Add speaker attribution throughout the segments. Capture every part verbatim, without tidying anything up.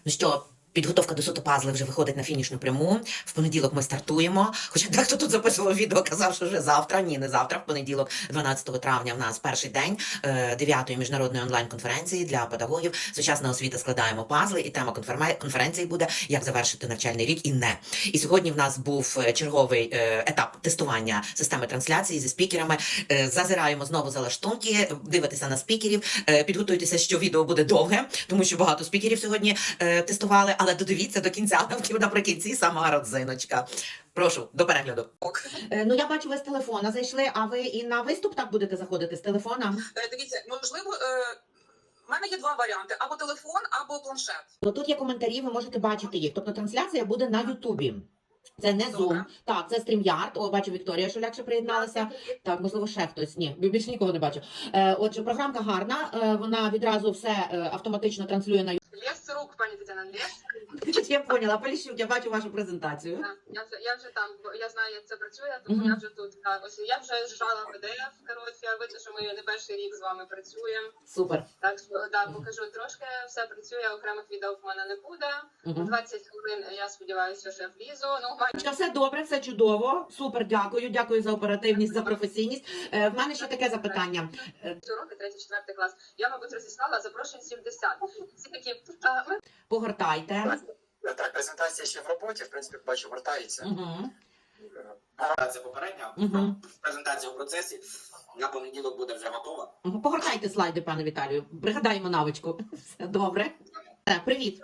Speaker 1: Ну що, підготовка до суто пазли вже виходить на фінішну пряму. В понеділок ми стартуємо. Хоча дехто тут записував відео, казав, що вже завтра. Ні, не завтра. В понеділок, дванадцятого травня, в нас перший день е, дев'ятої міжнародної онлайн-конференції для педагогів. Сучасна освіта, складаємо пазли, і тема конферме- конференції буде «Як завершити навчальний рік і не». І сьогодні в нас був е, черговий е, етап тестування системи трансляції зі спікерами. Е, Зазираємо знову за лаштунки, дивитеся на спікерів, е, підготуйтеся, що відео буде довге, тому що багато спікерів сьогодні е, тестували, але додивіться до кінця, наприкінці сама родзиночка. Прошу, до перегляду. Е, ну, я бачу, ви з телефона зайшли, а ви і на виступ так будете заходити з телефона?
Speaker 2: Е, Дивіться, можливо, е, в мене є два варіанти: або телефон, або планшет.
Speaker 1: Ну, тут є коментарі, ви можете бачити їх. Тобто трансляція буде на Ютубі. Це не Zoom.
Speaker 2: Добре.
Speaker 1: Так, це StreamYard. О, бачу, Вікторія Шуляк ще приєдналася. Так, можливо, ще хтось. Ні, більше нікого не бачу. Е, отже, програмка гарна. Е, вона відразу все е, автоматично транслює на
Speaker 2: Лєс рук, пані Тетяна, лєс.
Speaker 1: Ютуб. Я поняла. Поліщук, я бачу вашу презентацію.
Speaker 2: Так, Я вже, я вже там, бо я знаю, як це працює, тому
Speaker 1: Мгм.
Speaker 2: я вже тут. Так, ось я вже зжала пі ді еф, коротше, видно, що ми не перший рік з вами працюємо.
Speaker 1: Супер.
Speaker 2: Так, що, да, покажу трошки, все працює, окремих відео в мене не буде.
Speaker 1: Угу.
Speaker 2: двадцять хвилин, я сподіваюся, що я влізу. Ну, маю
Speaker 1: Все добре, все чудово. Супер, дякую. Дякую за оперативність, за професійність. Е, в мене ще таке запитання. Е,
Speaker 2: уроки, третій, четвертий клас. Я, мабуть, розіслала запрошень сімдесят. Всі такі, а, ми
Speaker 1: Погортайте.
Speaker 3: Так, презентація ще в роботі, в принципі, бачу, вертається.
Speaker 1: Угу.
Speaker 4: Презентація попередня,
Speaker 1: Угу.
Speaker 4: презентація в процесі, на понеділок буде вже готова.
Speaker 1: Угу. Погортайте слайди, пане Віталію. Пригадаємо навичку. Все добре. Так, привіт.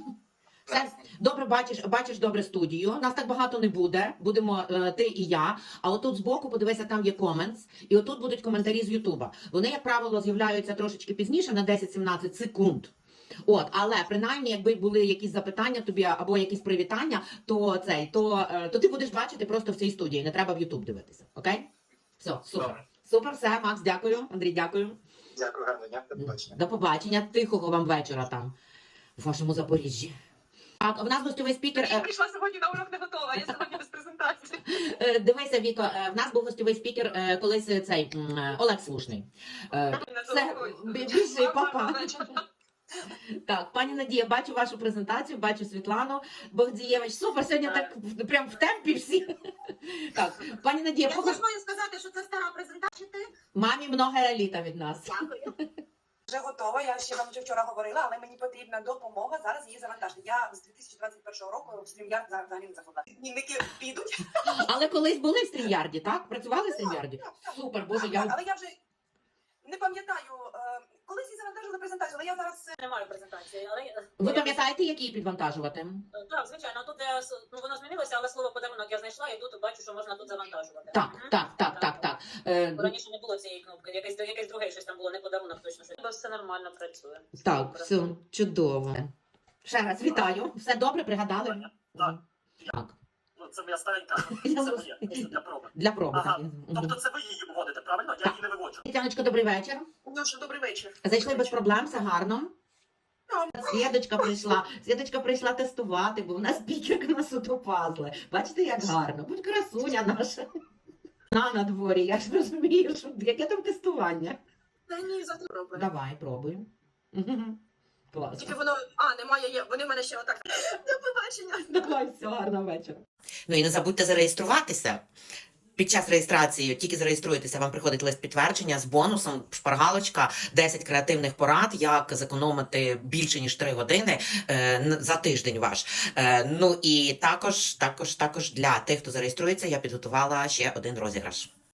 Speaker 1: Все, добре, бачиш, бачиш добре студію. Нас так багато не буде. Будемо е, ти і я. А отут збоку, подивися, там є comments. І отут будуть коментарі з Ютуба. Вони, як правило, з'являються трошечки пізніше, на десять-сімнадцять секунд. От, але принаймні, якби були якісь запитання тобі або якісь привітання, то цей, то, е, то ти будеш бачити просто в цій студії. Не треба в Ютуб дивитися. Окей? Все, супер.
Speaker 3: Добре.
Speaker 1: Супер, все, Макс, дякую. Андрій, дякую.
Speaker 3: Дякую, гарного дня, до побачення.
Speaker 1: До побачення. Тихого вам вечора там, в вашому Запоріжжі. Так, в нас гостьовий спікер.
Speaker 2: Я
Speaker 1: е,
Speaker 2: прийшла сьогодні на урок не готова, я сьогодні без презентації.
Speaker 1: е, Дивися, Віко, е, в нас був гостьовий спікер е, колись е, цей м, е, Олег Слушний. Е, Все, бі- біжи, папа. Так, пані Надія, бачу вашу презентацію, бачу Світлану Богдієвич. Супер, сьогодні так прям в темпі всі. Так, пані Надія,
Speaker 5: Я
Speaker 1: пога...
Speaker 5: теж маю сказати, що це стара презентація.
Speaker 1: мамі много еліта від нас.
Speaker 5: Дякую. Вже готова. Я ще вам вже вчора говорила, але мені потрібна допомога. Зараз її завантажити. Я з дві тисячі двадцять першого року в StreamYard взагалі не заходила. Днівники підуть.
Speaker 1: Але колись були в стрім'ярді, так? Працювали в стрім'ярді? Супер, боже,
Speaker 5: Так,
Speaker 1: я...
Speaker 5: але я вже не пам'ятаю, е, колись її завантажили презентацію, але я зараз
Speaker 6: Не маю презентації, але
Speaker 1: Ви пам'ятаєте, як її підвантажувати?
Speaker 6: так, звичайно, тут я, с- ну, воно змінилося, але слово подарунок я знайшла і тут бачу, що можна тут завантажувати.
Speaker 1: Так,
Speaker 6: Мгм.
Speaker 1: так, так, так, так. Е,
Speaker 6: Бо раніше не було цієї кнопки, якесь, якесь друге щось там було, не подарунок точно. Що. Бо все нормально працює.
Speaker 1: Так, все, чудово. Ще раз вітаю. Все добре, пригадали?
Speaker 7: Так.
Speaker 1: Так.
Speaker 7: Ну, це моя старенька,
Speaker 1: Я
Speaker 7: це
Speaker 1: зрозуміла.
Speaker 7: моє, це для проби.
Speaker 1: Для проби.
Speaker 7: Ага.
Speaker 1: так.
Speaker 7: Тобто
Speaker 1: Мгм.
Speaker 7: це ви її вводите, правильно? Я
Speaker 1: Так.
Speaker 7: її не виводжу.
Speaker 1: Тетяночко, добрий вечір.
Speaker 2: Дуже добрий вечір.
Speaker 1: Зайшли без проблем, все гарно. Свідочка прийшла. Свідочка прийшла тестувати, бо в нас спікерка на суто пазли. Бачите, як гарно. Будь красуня наша. На на дворі, я ж розумію, що яке там тестування.
Speaker 2: Та ні, завтра пробую.
Speaker 1: Давай, пробуємо. Мгм. Клас.
Speaker 2: Тільки воно, а, немає, є, вони в мене ще отак. До побачення.
Speaker 1: Давай, все, гарного вечора. Ну і не забудьте зареєструватися. Під час реєстрації, тільки зареєструєтеся, вам приходить лист підтвердження з бонусом, шпаргалочка, десять креативних порад, як зекономити більше, ніж три години е, н- за тиждень ваш. Е, ну і також, також, також для тих, хто зареєструється, я підготувала ще один розіграш.